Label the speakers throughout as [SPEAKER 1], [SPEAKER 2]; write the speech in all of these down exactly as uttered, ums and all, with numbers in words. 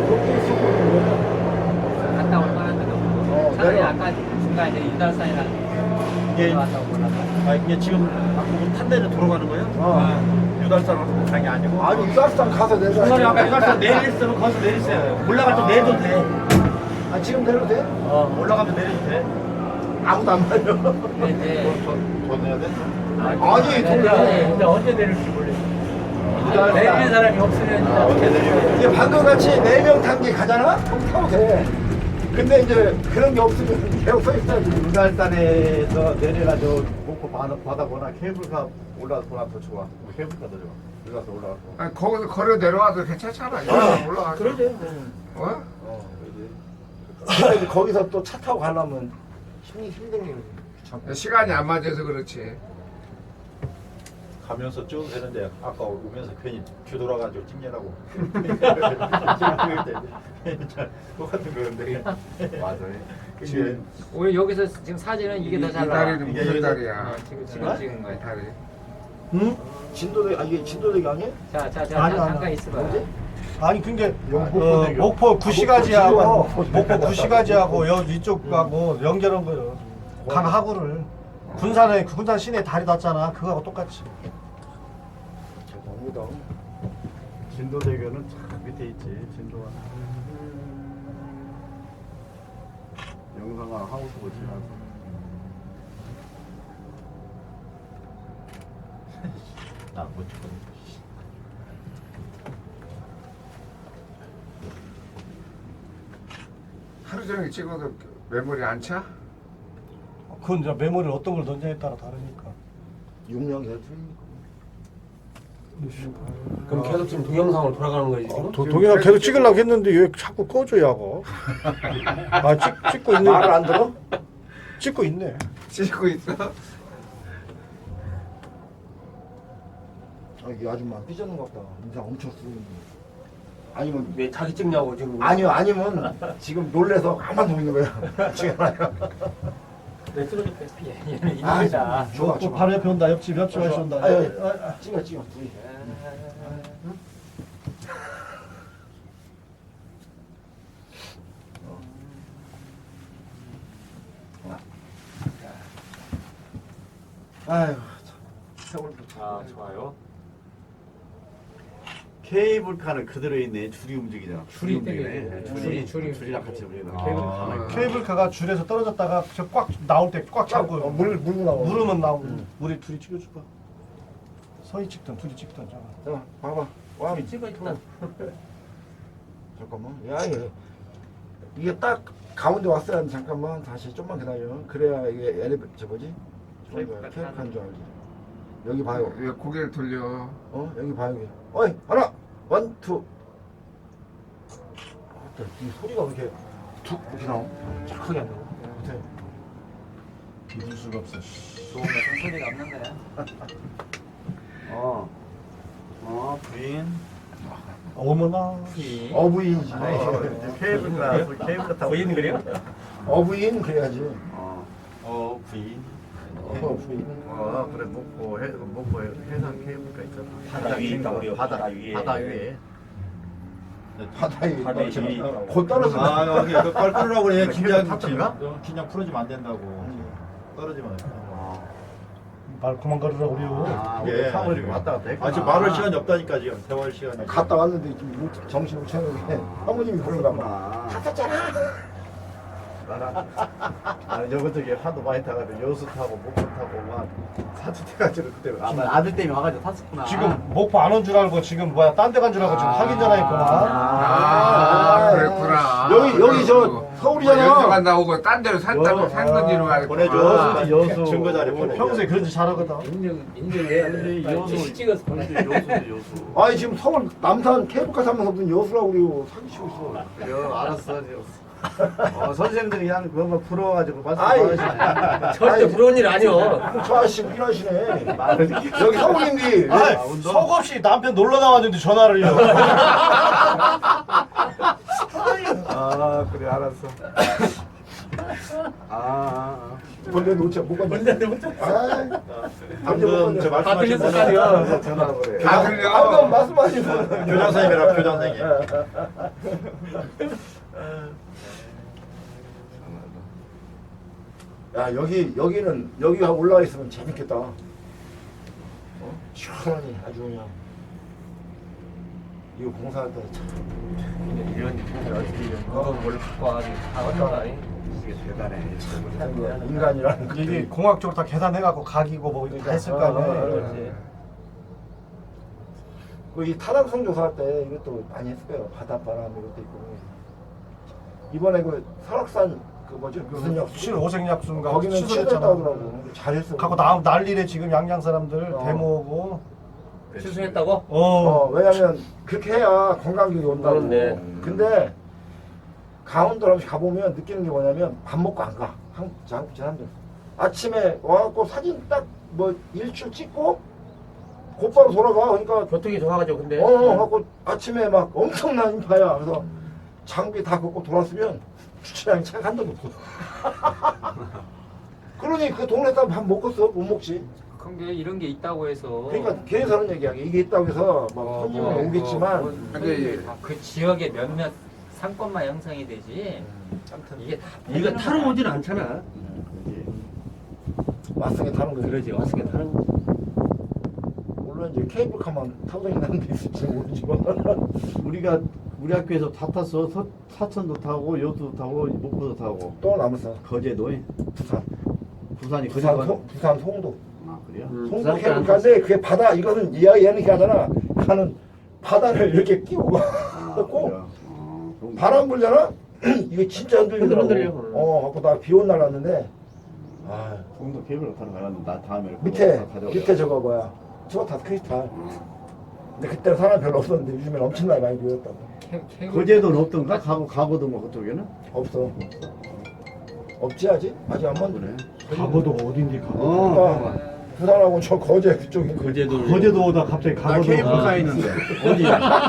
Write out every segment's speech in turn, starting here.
[SPEAKER 1] 거기 있었거든요.
[SPEAKER 2] 갔다 올 만한데도
[SPEAKER 1] 어,
[SPEAKER 2] 차라리
[SPEAKER 1] 내가-
[SPEAKER 2] 아까 중간에 유달산이랑
[SPEAKER 3] 이게
[SPEAKER 2] 왔다고 몰라서
[SPEAKER 3] 아 이게 지금 탄 데를 돌아가는 거예요?
[SPEAKER 1] 어.
[SPEAKER 3] 아, 유달산 강이 아니고.
[SPEAKER 1] 아니 유달산 가서 내가.
[SPEAKER 3] 중간에 아까 유달산 내리있으면 거기서 내리세요. 올라갈 때 내려도 돼.
[SPEAKER 1] 아 지금 내려도 돼?
[SPEAKER 3] 어 올라가면 내려도 돼.
[SPEAKER 1] 아무도 안 말려.
[SPEAKER 2] 근데 이제
[SPEAKER 4] 더 내야 돼?
[SPEAKER 1] 아니,
[SPEAKER 2] 근데
[SPEAKER 1] 돈을
[SPEAKER 2] 이제 근데 언제 내릴지 모르겠어. 내리는 사람이 없으면 이제 어떻게 내려?
[SPEAKER 1] 이게 방금 같이 네 명 탄 게 가잖아? 그럼 타도 돼. 근데 이제 그런 게 없으면 계속 서 있어야지.
[SPEAKER 4] 유달산에서 내려가지고 목포 바다, 바다거나 케이블카 올라가거나 더 좋아. 케이블카 더 좋아. 올라가서 올라가서.
[SPEAKER 5] 아, 거기서 걸어 내려와도 괜찮잖아. 어, 올라가.
[SPEAKER 1] 그러지.
[SPEAKER 5] 어?
[SPEAKER 4] 어, 그지.
[SPEAKER 1] 근데 이제 거기서 또 차 타고 가려면 힘이 힘든 게 귀찮고.
[SPEAKER 5] 시간이 안 맞아서 그렇지.
[SPEAKER 4] 가면서 쭉 되는데 아까 오면서 괜히 뒤돌아가지고 찍냐라고. 똑같은 거였는데. 맞아요. 그게
[SPEAKER 2] 우리 여기서 지금 사진은 이게 더 잘
[SPEAKER 5] 이
[SPEAKER 2] 나와.
[SPEAKER 5] 다리는 무슨 다리야?
[SPEAKER 2] 어, 지금 지금 찍은
[SPEAKER 5] 이
[SPEAKER 2] 거야.
[SPEAKER 5] 다리.
[SPEAKER 1] 응? 진도대, 아 이게 진도대기 아니야?
[SPEAKER 2] 자, 자, 자,
[SPEAKER 6] 아니,
[SPEAKER 2] 자,
[SPEAKER 6] 아니,
[SPEAKER 2] 잠깐 있어봐.
[SPEAKER 1] 뭐지?
[SPEAKER 6] 아니 근데
[SPEAKER 4] 목포
[SPEAKER 6] 어,
[SPEAKER 4] 대교.
[SPEAKER 6] 목포 구시가지하고
[SPEAKER 1] 아,
[SPEAKER 6] 목포
[SPEAKER 1] 목포
[SPEAKER 6] 구시가지하고 여 이쪽하고 연결한 거예요. 강하구를 군산에 군산 시내 다리 닿잖아. 그거하고 똑같이.
[SPEAKER 1] 대단하다.
[SPEAKER 4] 진도대교는 참 밑에 있지. 진도가. 영상을 하고 싶어 지나서. 나못 찍거든.
[SPEAKER 5] 하루 종일 찍어도 메모리 안 차?
[SPEAKER 6] 그건 이제 메모리를 어떤 걸 던져에 따라 다르니까.
[SPEAKER 1] 용량이 다 틀리니까.
[SPEAKER 7] 그럼 계속 지금 동영상으로 돌아가는 거지 지금?
[SPEAKER 6] 도, 동영상 계속 찍으려고 했는데 왜 자꾸 꺼줘야고? 아 찍, 찍고 있네.
[SPEAKER 1] 말을 안 들어?
[SPEAKER 6] 찍고 있네.
[SPEAKER 5] 찍고 있어?
[SPEAKER 1] 아 이게 아줌마 삐졌는 것 같다. 인상 엄청 쓰는. 아니면
[SPEAKER 7] 왜 자기 찍냐고 지금?
[SPEAKER 1] 아니요 아니면 지금 놀래서 가만 두고 있는 거야. 지금 아니야.
[SPEAKER 2] 왜 쓰러졌대? 얘는
[SPEAKER 1] 아,
[SPEAKER 2] 인물이다.
[SPEAKER 1] 좋아
[SPEAKER 6] 또
[SPEAKER 1] 좋아.
[SPEAKER 6] 바로 옆에 온다. 옆집 옆집 아저씨 온다.
[SPEAKER 1] 아, 예. 찍어 찍어. 둘이. 아유, 세월도
[SPEAKER 2] 아, 좋아요.
[SPEAKER 4] 케이블카는 그대로 있네. 줄이 움직이잖아.
[SPEAKER 2] 줄이
[SPEAKER 4] 움직이네.
[SPEAKER 2] 땡기네.
[SPEAKER 4] 줄이
[SPEAKER 2] 줄이, 줄이
[SPEAKER 4] 줄이랑 같이 움직이는
[SPEAKER 2] 아.
[SPEAKER 4] 케이블카 가만히 있고.
[SPEAKER 6] 케이블카가 줄에서 떨어졌다가 저 꽉 나올 때 꽉 잡고
[SPEAKER 1] 어, 물 물고 나와.
[SPEAKER 6] 물으면 나오고. 우리 둘이 찍어줄까? 서희 찍든 둘이 찍든 잖아.
[SPEAKER 1] 자, 봐봐. 와,
[SPEAKER 2] 찍어 있다.
[SPEAKER 1] 잠깐만. 야, 얘. 이게 딱 가운데 왔어야 하는데 잠깐만 다시 좀만 기다려. 그래야 이게 엘리베이터 저 뭐지?
[SPEAKER 2] 케이블카
[SPEAKER 1] 케이블카인 줄 알지. 여기 봐요.
[SPEAKER 5] 왜 고개를 돌려?
[SPEAKER 1] 어, 여기 봐요. 여기. 어이, 하나, 원, 투. 아, 이 소리가 왜 이렇게 툭 이렇게 나오? 착하게 안 나오? 못해.
[SPEAKER 4] 믿을 수가 없어.
[SPEAKER 2] 좋은 것은 소리가 없는 거야.
[SPEAKER 4] 어. 어, 부인.
[SPEAKER 6] 어머나.
[SPEAKER 1] 어부인이지.
[SPEAKER 4] 어, 케이블카, 케이블카 타고.
[SPEAKER 2] 부인 그래요?
[SPEAKER 1] 어부인 그래야지.
[SPEAKER 4] 어, 어, 부인.
[SPEAKER 1] 어부인.
[SPEAKER 4] 어, 그래, 목포, 해, 목포 해상 케이블카 있잖아.
[SPEAKER 7] 바다 위에 있다, 우리
[SPEAKER 4] 바다,
[SPEAKER 7] 바다 위에.
[SPEAKER 4] 바다 위에.
[SPEAKER 1] 바다에
[SPEAKER 7] 바다 위.
[SPEAKER 1] 곧 떨어져.
[SPEAKER 3] 아 여기 그걸 풀으라고 그래. 긴장
[SPEAKER 4] 탔던가?
[SPEAKER 3] 긴장 풀어지면 안 된다고. 떨어지면.
[SPEAKER 6] 말 그만 걸으라 그래요.
[SPEAKER 4] 아,
[SPEAKER 3] 예.
[SPEAKER 4] 우리 타고 이렇게 왔다 갔다 했구나.
[SPEAKER 3] 아 지금 말할 시간이 없다니까 지금 세월 시간이.
[SPEAKER 1] 갔다 왔는데 좀 못- 정신 못 차리게 사모님이 그런가 봐.
[SPEAKER 4] 탔었잖아. 나랑 나는 여기 저기 하도 많이 타가지고 여수 타고 목포 타고 막 사투 태가지고 그때 아, 나 아들 때문에 와가지고 탔었구나.
[SPEAKER 6] 지금 목포 안 온 줄 알고 지금 뭐야 딴 데 간 줄 알고 지금 확인 전화했구나.
[SPEAKER 5] 아, 그랬구나.
[SPEAKER 1] 여기 여기 저 서울이잖아.
[SPEAKER 5] 여기서 간다 오고 딴 데로 산다고 산 건지로 알고.
[SPEAKER 3] 보내줘.
[SPEAKER 4] 아,
[SPEAKER 3] 여수
[SPEAKER 4] 여수.
[SPEAKER 3] 증거 자료
[SPEAKER 6] 어,
[SPEAKER 3] 보내.
[SPEAKER 6] 평소에 그런 짓 잘하거든.
[SPEAKER 2] 인증 인증해야 돼.
[SPEAKER 4] 근데 여수
[SPEAKER 2] 시 찍어서 보내.
[SPEAKER 4] 근데 여수도 여수.
[SPEAKER 1] 아니 지금 서울 남산 케이블카 타면서 무슨 여수라고 그래요. 사기치고 있어.
[SPEAKER 4] 그래 알았어. 어, 선생님들이 그냥 그것만 풀어가지고 말씀
[SPEAKER 1] 아이.
[SPEAKER 4] 많으시네.
[SPEAKER 7] 절대 부러운 일 아니요.
[SPEAKER 1] 저 아저씨 일하시네. 여기 서울인데.
[SPEAKER 6] 아이,
[SPEAKER 4] 아, 운동?
[SPEAKER 6] 속없이 남편 놀러 나왔는데 전화를요.
[SPEAKER 4] 아 그래 알았어. 아, 아, 아.
[SPEAKER 1] 벌레 놓자 뭐가 벌레 놓자. 아,
[SPEAKER 3] 방금 저 말씀하신
[SPEAKER 2] 들렸을
[SPEAKER 3] 분이
[SPEAKER 2] 거 아니야.
[SPEAKER 3] 전화를 그래.
[SPEAKER 5] 다 들려.
[SPEAKER 1] 방금 말씀하신 분.
[SPEAKER 3] 교장 선생님이라 교장 선생님.
[SPEAKER 1] 야 여기 여기는 여기가 올라와 있으면 재밌겠다. 어? 시원하니 아주 그냥 이거 공사할 때 참.
[SPEAKER 2] 이런 일을 어떻게 이런 거 원래 갖고 와가지고 다 얻는 거 아니?
[SPEAKER 4] 이게 대단해.
[SPEAKER 1] 참 인간이라는 거.
[SPEAKER 6] 이게 공학적으로 다 계산해갖고 각이고 뭐 이렇게 다 했을 거
[SPEAKER 1] 어, 어, 어,
[SPEAKER 6] 아니에요.
[SPEAKER 2] 그렇지.
[SPEAKER 1] 그이 타당성 조사할 때 이것도 많이 했을 거예요. 바닷바람 이것도 있고. 이번에 그 설악산 그 뭐지 무슨 약
[SPEAKER 6] 칠 오색약수인가
[SPEAKER 1] 거기는
[SPEAKER 6] 취소됐잖아.
[SPEAKER 1] 취소했다고 하더라고. 잘했어.
[SPEAKER 6] 갖고 나 난리래 지금 양양 사람들
[SPEAKER 1] 어.
[SPEAKER 6] 데모고.
[SPEAKER 2] 취소했다고?
[SPEAKER 6] 어.
[SPEAKER 1] 어 왜냐면 그렇게 해야 관광객이 온다고.
[SPEAKER 7] 그런데.
[SPEAKER 1] 근데 강원도 한번 가보면 느끼는 게 뭐냐면 밥 먹고 안 가. 한국 한국 사람들 아침에 와갖고 사진 딱 뭐 일출 찍고 곧바로 돌아가. 그러니까
[SPEAKER 7] 교통이 좋아가지고 근데.
[SPEAKER 1] 어, 어 갖고 아침에 막 엄청난 인파야. 그래서 장비 다 걷고 돌았으면 주차장에 차가 한 대도 없어. 그러니 그 동네 사람 밥 먹었어? 못 먹지.
[SPEAKER 2] 근데 이런 게 있다고 해서
[SPEAKER 1] 그러니까 걔에서는 얘기하게 이게 있다고 해서 막
[SPEAKER 2] 어,
[SPEAKER 1] 손님은
[SPEAKER 2] 뭐,
[SPEAKER 1] 오겠지만
[SPEAKER 2] 뭐,
[SPEAKER 5] 근데
[SPEAKER 2] 뭐, 그 지역의 몇몇 상권만 형성이 되지
[SPEAKER 1] 아무튼
[SPEAKER 2] 이게 다
[SPEAKER 7] 이거 타러 오질 않잖아.
[SPEAKER 1] 마승에 타는 거지.
[SPEAKER 7] 그러지 와서 타는 거.
[SPEAKER 1] 물론 이제 케이블카만 타고 다니는 데 있을지 모르지만
[SPEAKER 4] 우리가 우리 학교에서 다 탔어. 서, 사천도 타고 여수도 타고 목포도 타고
[SPEAKER 1] 또 남았어.
[SPEAKER 4] 거제도
[SPEAKER 1] 부산.
[SPEAKER 4] 부산이
[SPEAKER 1] 부산
[SPEAKER 4] 거제도
[SPEAKER 1] 송 부산 송도.
[SPEAKER 4] 아 그래요?
[SPEAKER 7] 음,
[SPEAKER 1] 송도
[SPEAKER 7] 부산 때안
[SPEAKER 1] 케이블카인데 그게 바다 이거는 얘 얘는 이렇게 하잖아. 가는 바다를 이렇게 끼고 가.
[SPEAKER 4] 아,
[SPEAKER 1] 꼭
[SPEAKER 4] 그래요? 어, 그럼
[SPEAKER 1] 바람 불잖아. 이게 진짜 흔들리더라고.
[SPEAKER 7] 흔들려.
[SPEAKER 1] 어, 갖고 나 비 온 날 왔는데 아
[SPEAKER 4] 송도 케이블카 타러 가려는데 나 다음에
[SPEAKER 1] 밑에
[SPEAKER 4] 그거 가져오자.
[SPEAKER 1] 밑에 저거 뭐야 저거 다 크리스탈. 근데 그때 사람 별로 없었는데 요즘엔 엄청나게 많이 보였다고.
[SPEAKER 2] 케- 케이블-
[SPEAKER 4] 거제도는 없던가? 가고 가고도 뭐 그쪽에는?
[SPEAKER 1] 없어. 없지 아직? 아직 안 만드네.
[SPEAKER 4] 그래.
[SPEAKER 6] 가고도 어딘지 가고.
[SPEAKER 4] 어.
[SPEAKER 1] 부산하고 저 거제 그쪽에
[SPEAKER 7] 거제도.
[SPEAKER 6] 거제도 오다 갑자기
[SPEAKER 4] 나
[SPEAKER 6] 가고도.
[SPEAKER 4] 케이블카 있는데 어디?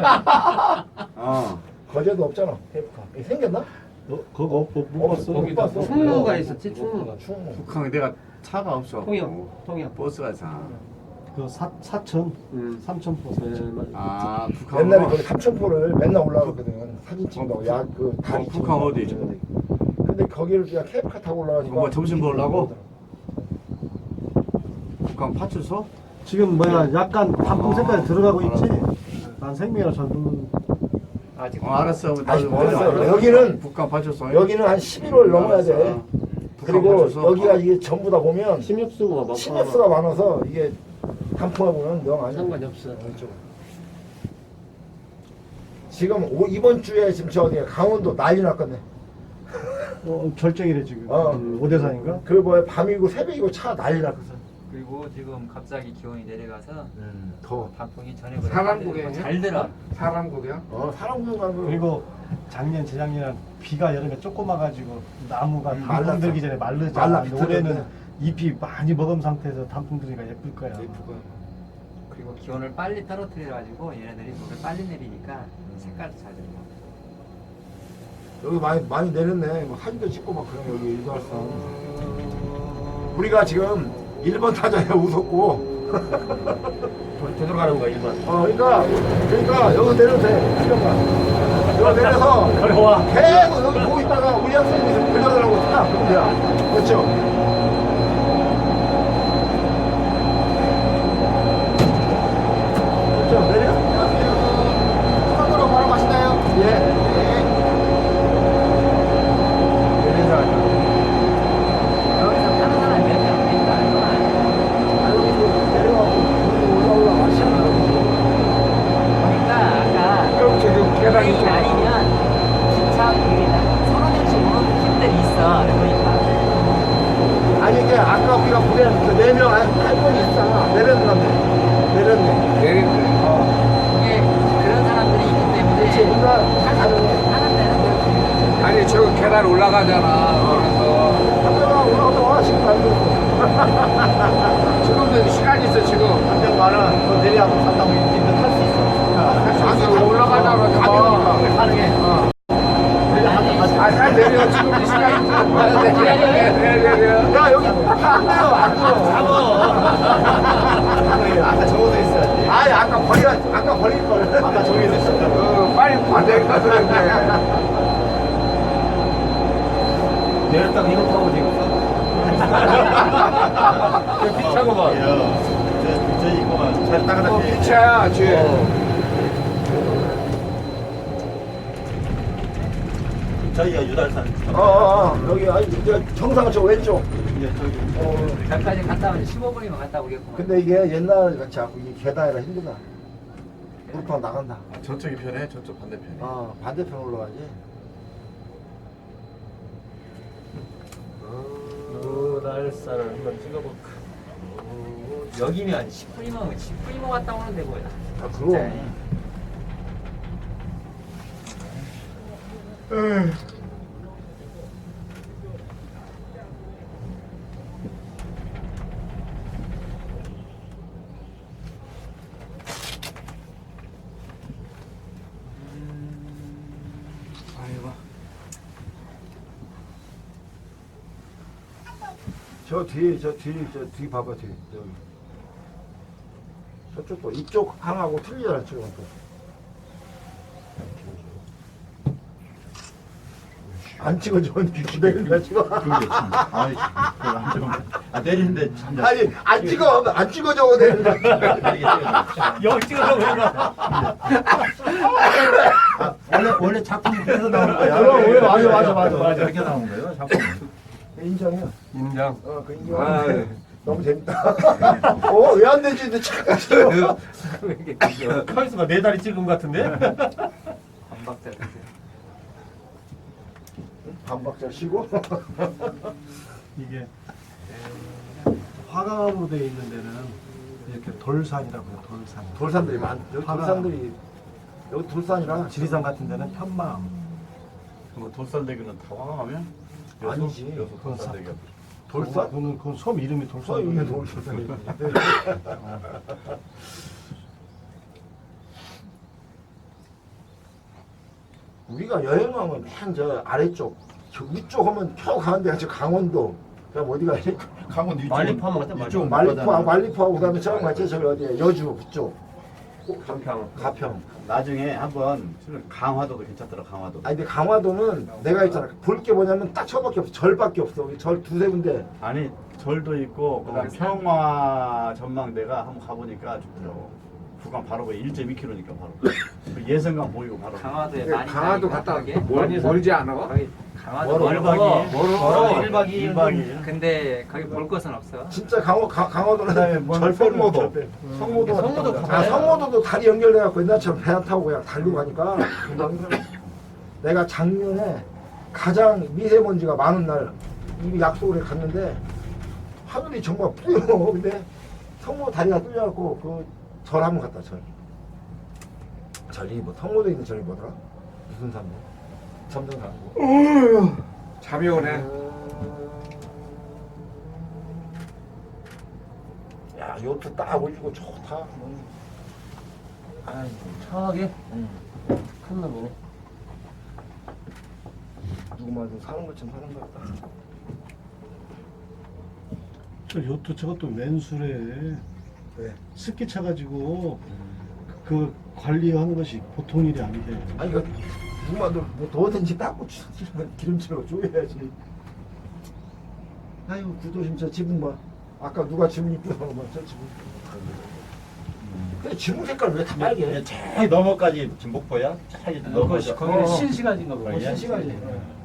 [SPEAKER 4] 어.
[SPEAKER 1] 거제도 없잖아. 케이블카. 이게 생겼나?
[SPEAKER 6] 너 그거 못, 못, 못 봤어?
[SPEAKER 1] 못 봤어.
[SPEAKER 7] 충무가 있었지 충무가.
[SPEAKER 1] 충무.
[SPEAKER 4] 북한 내가 차가 없어.
[SPEAKER 7] 통영 통영.
[SPEAKER 4] 버스가 있잖아.
[SPEAKER 6] 그 사, 사천,
[SPEAKER 7] 음.
[SPEAKER 6] 삼천포
[SPEAKER 7] 네,
[SPEAKER 6] 사천.
[SPEAKER 7] 맞아.
[SPEAKER 4] 아 북한.
[SPEAKER 1] 옛날에 거기 삼천포를 맨날 올라가거든. 사진 찍는다고. 야, 그 다리
[SPEAKER 4] 어, 북한
[SPEAKER 1] 찍는다고.
[SPEAKER 4] 어디?
[SPEAKER 1] 근데 거기를 그냥 케이블카 타고 올라가니까.
[SPEAKER 4] 뭐 점심 먹으려고? 북한 파출소?
[SPEAKER 6] 지금 뭐야 약간 단풍 색깔이
[SPEAKER 4] 아,
[SPEAKER 6] 들어가고 있지?
[SPEAKER 4] 알았어.
[SPEAKER 6] 난 생명이랑 잘 모르는.
[SPEAKER 2] 아직
[SPEAKER 4] 어 알았어.
[SPEAKER 1] 아니,
[SPEAKER 4] 나도
[SPEAKER 1] 알았어.
[SPEAKER 4] 알았어.
[SPEAKER 1] 여기는-
[SPEAKER 4] 북한 파출소.
[SPEAKER 1] 여기는 한 십일월 넘어야 돼.
[SPEAKER 4] 알았어. 북한
[SPEAKER 1] 그리고
[SPEAKER 4] 파출소.
[SPEAKER 1] 여기가 이게 전부 다 보면
[SPEAKER 7] 침입수가 막.
[SPEAKER 1] 침입수가 많아서 이게 단풍하고 보면 영 아니야.
[SPEAKER 7] 상관이 없어.
[SPEAKER 1] 지금 오, 이번 주에 지금 저 어디 강원도 난리 났거든.
[SPEAKER 6] 어, 절정이래 지금.
[SPEAKER 1] 어.
[SPEAKER 6] 음, 오대산인가?
[SPEAKER 1] 그 뭐야 밤이고 새벽이고 차 난리 났거든.
[SPEAKER 2] 그리고 지금 갑자기 기온이 내려가서
[SPEAKER 1] 더.
[SPEAKER 2] 단풍이 전해보다
[SPEAKER 5] 사람 구경이야?
[SPEAKER 2] 잘 들어.
[SPEAKER 5] 사람 구경?
[SPEAKER 1] 어 사람 구경 가는 거.
[SPEAKER 6] 그리고 작년 재작년에 비가 여름에 조금 와가지고 나무가
[SPEAKER 1] 음,
[SPEAKER 6] 단풍
[SPEAKER 1] 말랐어.
[SPEAKER 6] 들기 전에 마르잖아.
[SPEAKER 1] 말라
[SPEAKER 6] 근데 올해는
[SPEAKER 1] 비틀었네.
[SPEAKER 6] 잎이 많이 먹은 상태에서 단풍 들기가 예쁠 거야.
[SPEAKER 1] 예쁘고.
[SPEAKER 2] 그리고 기온을 빨리 떨어뜨려가지고 얘네들이 물을 빨리 내리니까 색깔도 잘 들어.
[SPEAKER 1] 여기 많이 많이 내렸네. 뭐 사진도 찍고 막 그런 여기 일도할산. 우리가 지금 일 번 타자에 웃었고.
[SPEAKER 7] 되돌아가는 거야 일반.
[SPEAKER 1] 어 그러니까 그러니까 여기 내려도 돼. 잠깐만. 여기 내려서
[SPEAKER 6] 걸어와.
[SPEAKER 1] 계속 여기 보고 있다가 우리 학생이 걸려달라고 딱 그러면 돼요. 그렇죠? 그렇죠? 내려? 안녕하세요. 수강으로 바로 가시나요? 예. 네. 내리자.
[SPEAKER 2] 여기서 타는 사람이 몇 명 있다 알거 아니야?
[SPEAKER 1] 아유, 내려가고 올라 올라 가시나.
[SPEAKER 2] 그러니까 아까
[SPEAKER 5] 그럼 지금 계단이
[SPEAKER 2] 계획이 아니면 기차 그게 서너 명씩 오는 팀들이 있어. 그러니까
[SPEAKER 1] 아니 이게 아까 우리가 보낸 그네 명 할 분이 있잖아. 내렸는데. 내렸네.
[SPEAKER 5] 내린대.
[SPEAKER 1] 어.
[SPEAKER 2] 이게 그런 사람들이 있기 때문에
[SPEAKER 1] 그렇지. 우리가 가능해.
[SPEAKER 2] 하는 데는 그렇게
[SPEAKER 5] 아니 저 계단 올라가잖아. 그래서
[SPEAKER 1] 한명아 올라갔다 와. 지금 가는
[SPEAKER 5] 지금도 시간 있어 지금.
[SPEAKER 4] 한명 많은 그 내리하고 산다고 이제 탈수 있어.
[SPEAKER 5] 아니 올라가자 그러지 마.
[SPEAKER 4] 가능해.
[SPEAKER 5] 아, 잘 내려 지금 시간 있어. 내려 내려 내려.
[SPEAKER 1] 야 여기 걸.
[SPEAKER 4] 아까 저기 있었다.
[SPEAKER 5] 어, 빨리 반대기 가서는데
[SPEAKER 7] 내렸다가 이거 타고 지금
[SPEAKER 5] 비차고 봐.
[SPEAKER 4] 저, 저 이거만 잘 따가다.
[SPEAKER 5] 어, 비차야, 쟤.
[SPEAKER 4] 저희가 유달산.
[SPEAKER 1] 어, 어, 어. 여기 아니 저 정상 저 왼쪽.
[SPEAKER 4] 이제 저기.
[SPEAKER 1] 어.
[SPEAKER 2] 저기까지 갔다 오면 십오 분이면 갔다 오겠구만.
[SPEAKER 1] 근데 이게 옛날 같이 하고 이 계단이라 힘들다. 무릎팍 나간다.
[SPEAKER 4] 저쪽이 편해, 저쪽 반대편이.
[SPEAKER 1] 어, 반대편 올라가지.
[SPEAKER 7] 유달산을 한번 찍어볼까. 오, 여기면
[SPEAKER 2] 십 분이면 십 분이면 갔다 오는데 뭐야.
[SPEAKER 1] 아, 그럼. 저 뒤에 저 뒤 저 뒤 봐봐 뒤 여기 저쪽도 이쪽 항하고 틀리잖아 지금 또. 안 찍어줘 내린다 찍어.
[SPEAKER 4] 아이, 그걸 안 찍으면. 아, 내리는데 참.
[SPEAKER 1] 아니 안 찍어 안 찍어줘 내린다.
[SPEAKER 3] 여기 찍어서 그런가?
[SPEAKER 4] 아, 원래, 원래 작품이 그래서 나오는 거야.
[SPEAKER 1] 그럼, 원래 맞아, 맞아, 맞아, 맞아.
[SPEAKER 4] 이렇게 나오는 거예요, 작품.
[SPEAKER 1] 인정이야.
[SPEAKER 5] 인정.
[SPEAKER 1] 어그 인정.
[SPEAKER 5] 아,
[SPEAKER 1] 너무 재밌다. 어왜 안 되지 근데 착각 찍어.
[SPEAKER 2] 왜 이렇게 그죠?
[SPEAKER 3] 카리스마 네 다리 찍은 것 같은데?
[SPEAKER 2] 반박자 같아.
[SPEAKER 1] 반박자 쉬고.
[SPEAKER 6] 이게 화강으로 돼 있는 데는 이렇게 돌산이라고요. 돌산.
[SPEAKER 1] 돌산들이 많. 여기
[SPEAKER 6] 화가.
[SPEAKER 1] 돌산들이 여기 돌산이라
[SPEAKER 6] 지리산 같은 데는 편마음.
[SPEAKER 4] 뭐 돌산대교는 다 화강하면?
[SPEAKER 1] 아니지.
[SPEAKER 4] 여수 돌산대교.
[SPEAKER 1] 돌산?
[SPEAKER 6] 그건 그건 섬 이름이 돌산.
[SPEAKER 1] 서 있는 돌산이. 우리가 여행 가면 맨 저 아래쪽, 저 위쪽 하면 펴 가는 데가 저 강원도. 그다음 어디가
[SPEAKER 4] 강원 위쪽.
[SPEAKER 7] 말리포 한번 갔다
[SPEAKER 4] 이쪽
[SPEAKER 1] 말리포, 말리포하고 그다음에 저기 맞지 저기 어디야 여주 그쪽.
[SPEAKER 7] 한평.
[SPEAKER 1] 가평.
[SPEAKER 4] 나중에 한번 강화도도 괜찮더라, 강화도.
[SPEAKER 1] 아니 근데 강화도는 내가 있잖아 볼 게 뭐냐면 딱 저밖에 없어 절밖에 없어 절 두세 군데.
[SPEAKER 4] 아니, 절도 있고, 그다음에 평화 전망대가 한번 가보니까 좋더라고. 구간 바로 그 일 점 이 킬로미터니까 바로. 그 예성강 보이고 바로.
[SPEAKER 2] 강화도에
[SPEAKER 5] 근데
[SPEAKER 2] 많이
[SPEAKER 5] 강화도
[SPEAKER 2] 가니까
[SPEAKER 5] 갔다
[SPEAKER 2] 그게?
[SPEAKER 5] 멀, 멀지 않아?
[SPEAKER 2] 거기 강화도
[SPEAKER 1] 멀어.
[SPEAKER 2] 멀어.
[SPEAKER 5] 멀어.
[SPEAKER 3] 일 박 이 일.
[SPEAKER 4] 일 박 이 일.
[SPEAKER 2] 근데 거기 볼 것은 없어.
[SPEAKER 1] 진짜 강화 강, 강화도는
[SPEAKER 4] 그다음에 뭐
[SPEAKER 1] 절 빼면
[SPEAKER 4] 성모도.
[SPEAKER 1] 절 빼. 성모도
[SPEAKER 3] 성모도
[SPEAKER 1] 아
[SPEAKER 3] 가봐요.
[SPEAKER 1] 성모도도 다리 연결돼 갖고 옛날처럼 배 안 타고 그냥 달리고 가니까 금방 힘들어. 내가 작년에 가장 미세먼지가 많은 날 이 약속을 해 갔는데 하늘이 정말 뿌여. 근데 성모 다리가 뚫려 갖고 그 절 한번 갔다 절. 절이 뭐 성모도에 있는 절이 뭐더라? 무슨 산모? 점등산모.
[SPEAKER 5] 잠이 오네.
[SPEAKER 1] 야 요트 딱 올리고 좋다. 아이고
[SPEAKER 7] 차하게
[SPEAKER 1] 응.
[SPEAKER 7] 큰 놈이네.
[SPEAKER 1] 누구만 좀 사는 것처럼 사는 것 같다.
[SPEAKER 6] 저 요트 저것도 맨술에
[SPEAKER 1] 네.
[SPEAKER 6] 습기 차가지고 그 관리하는 것이 보통 일이 아닌데.
[SPEAKER 1] 아니 이거 누구만 뭐 더든지 닦고 기름칠하고 쪼여야지. 아이고 구도심 저 지붕 봐. 아까 누가 지붕 이쁘다고 막저 지붕. 근데 지붕 색깔 왜 다 빨개?
[SPEAKER 4] 저기 너머까지 김복보야? 저기 너머까지.
[SPEAKER 3] 거기는
[SPEAKER 1] 어.
[SPEAKER 3] 신시간인가 보다.
[SPEAKER 4] 어, 예.
[SPEAKER 1] 시간이.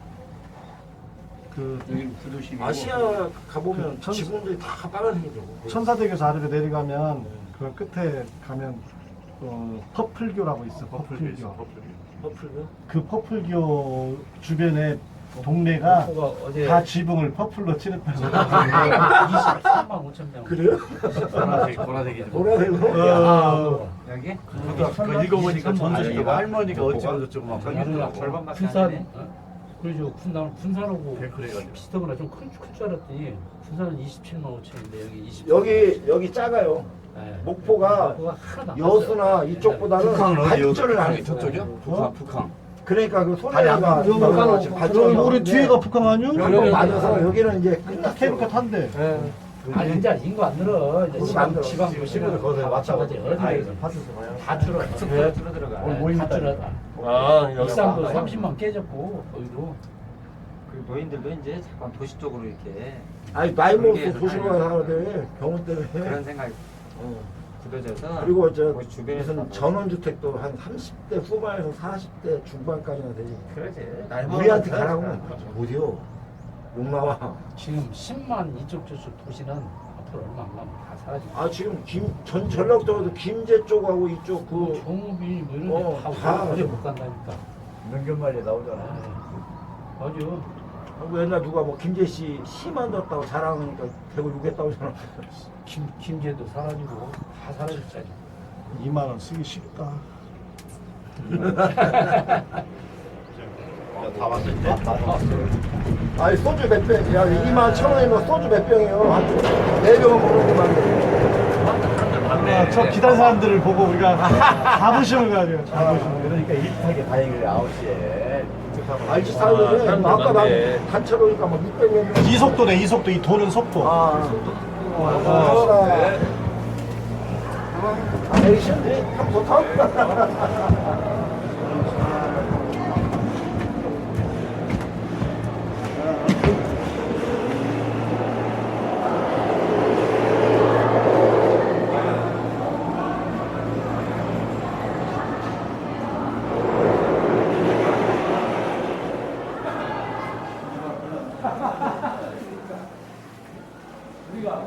[SPEAKER 6] 그
[SPEAKER 3] 여기 구도심이고.
[SPEAKER 1] 아시아 가보면
[SPEAKER 6] 천-
[SPEAKER 1] 지붕들이 다 빨간색이더라고.
[SPEAKER 6] 천사대교에서 아래로 내려가면 그 끝에 가면 어, 퍼플교라고 있어. 퍼플교.
[SPEAKER 1] 퍼플도?
[SPEAKER 6] 그 퍼플교 주변에 동네가
[SPEAKER 3] 뭐가 어제
[SPEAKER 6] 다 지붕을 퍼플로 칠했다고.
[SPEAKER 3] 이십삼만 오천 명.
[SPEAKER 1] 그래요?
[SPEAKER 4] 보라색, 보라색이지.
[SPEAKER 1] 보라색으로?
[SPEAKER 6] 어,
[SPEAKER 2] 여기?
[SPEAKER 4] 그거 읽어보니까 전주시고 할머니가 어찌고 저쩌고 막
[SPEAKER 2] 여기는 절반밖에 안
[SPEAKER 3] 군산.
[SPEAKER 2] 되네.
[SPEAKER 3] 어? 그러죠. 군산 군산하고
[SPEAKER 4] 그래가지고.
[SPEAKER 3] 비슷하거나 좀 클 줄 알았더니 군산은 이십칠만 오천인데 여기 이십.
[SPEAKER 1] 여기 여기 작아요.
[SPEAKER 3] 네.
[SPEAKER 1] 목포가
[SPEAKER 3] 목포가 하나도 안
[SPEAKER 1] 여수나 이쪽보다는 발전을 안 했어.
[SPEAKER 4] 저쪽이요? 북한, 북한.
[SPEAKER 1] 그러니까 그
[SPEAKER 4] 다리 안
[SPEAKER 1] 소리가
[SPEAKER 6] 여기
[SPEAKER 1] 나가지고
[SPEAKER 6] 여기
[SPEAKER 1] 발전이
[SPEAKER 6] 우리 뒤에가 북한 아니야?
[SPEAKER 1] 한번 맞아서 여기는 이제
[SPEAKER 6] 끝나 케이블카 탄대.
[SPEAKER 8] 아 이제 인구 안 늘어. 이제
[SPEAKER 1] 인구 안 늘어.
[SPEAKER 8] 지방 지방
[SPEAKER 6] 시골
[SPEAKER 8] 도시는
[SPEAKER 6] 거기서
[SPEAKER 8] 다 마찬가지. 어디
[SPEAKER 6] 파트에서 봐요.
[SPEAKER 8] 다 줄어.
[SPEAKER 7] 숫자 줄어들어가.
[SPEAKER 8] 오늘 모임 다 줄어다.
[SPEAKER 7] 아, 여기
[SPEAKER 8] 일산도
[SPEAKER 7] 봐.
[SPEAKER 8] 삼십만 깨졌고 거기도.
[SPEAKER 2] 그 노인들도 이제 자꾸 도시 쪽으로 이렇게
[SPEAKER 1] 아니 나이 먹어서
[SPEAKER 2] 그게
[SPEAKER 1] 도시로 가야 하는데 병원 때문에.
[SPEAKER 2] 그런 생각이
[SPEAKER 1] 어.
[SPEAKER 2] 굳어져서
[SPEAKER 1] 그리고 저
[SPEAKER 2] 거기 주변에서
[SPEAKER 1] 무슨 전원주택도 한 삼십 대 후반에서 사십 대 중반까지나 되지.
[SPEAKER 7] 그러지.
[SPEAKER 1] 우리한테 가라고 못해요. 욕 나와.
[SPEAKER 8] 지금 십만 이쪽 저쪽 도시는 앞으로 얼마 안 가면 다 사라지고.
[SPEAKER 1] 아 지금 김 전 전라도도 김제 쪽하고 이쪽 그
[SPEAKER 8] 종업이 뭐 이런
[SPEAKER 1] 어,
[SPEAKER 8] 데다
[SPEAKER 1] 다
[SPEAKER 8] 오래 못 간다니까.
[SPEAKER 4] 명견말리 나오잖아.
[SPEAKER 8] 맞아.
[SPEAKER 1] 뭐 옛날 누가 뭐 김제 씨 시 만들었다고 자랑하니까 대구 욕했다고 하잖아.
[SPEAKER 8] 김 김제도 사라지고 다 사라졌잖아.
[SPEAKER 6] 이만 원 쓰기 쉽다.
[SPEAKER 4] 다 왔을 때.
[SPEAKER 1] 아니 소주 몇 병? 야 이만 천 원이면 소주 몇 병이에요? 한네 병은 먹는구만.
[SPEAKER 6] 아, 저 기다린 사람들을 보고 우리가 자부심을 가져요. 자부심.
[SPEAKER 4] 그러니까 일찍하게 다행이래 아홉 시에.
[SPEAKER 1] 알지 사이에
[SPEAKER 7] 사람들
[SPEAKER 1] 아까 나
[SPEAKER 7] 많네.
[SPEAKER 1] 단체로 오니까 막 육백 명.
[SPEAKER 6] 이 속도네, 이 속도. 이 도는 속도.
[SPEAKER 1] 아, 아, 아, 에이션들이 참 좋다.
[SPEAKER 8] 우리가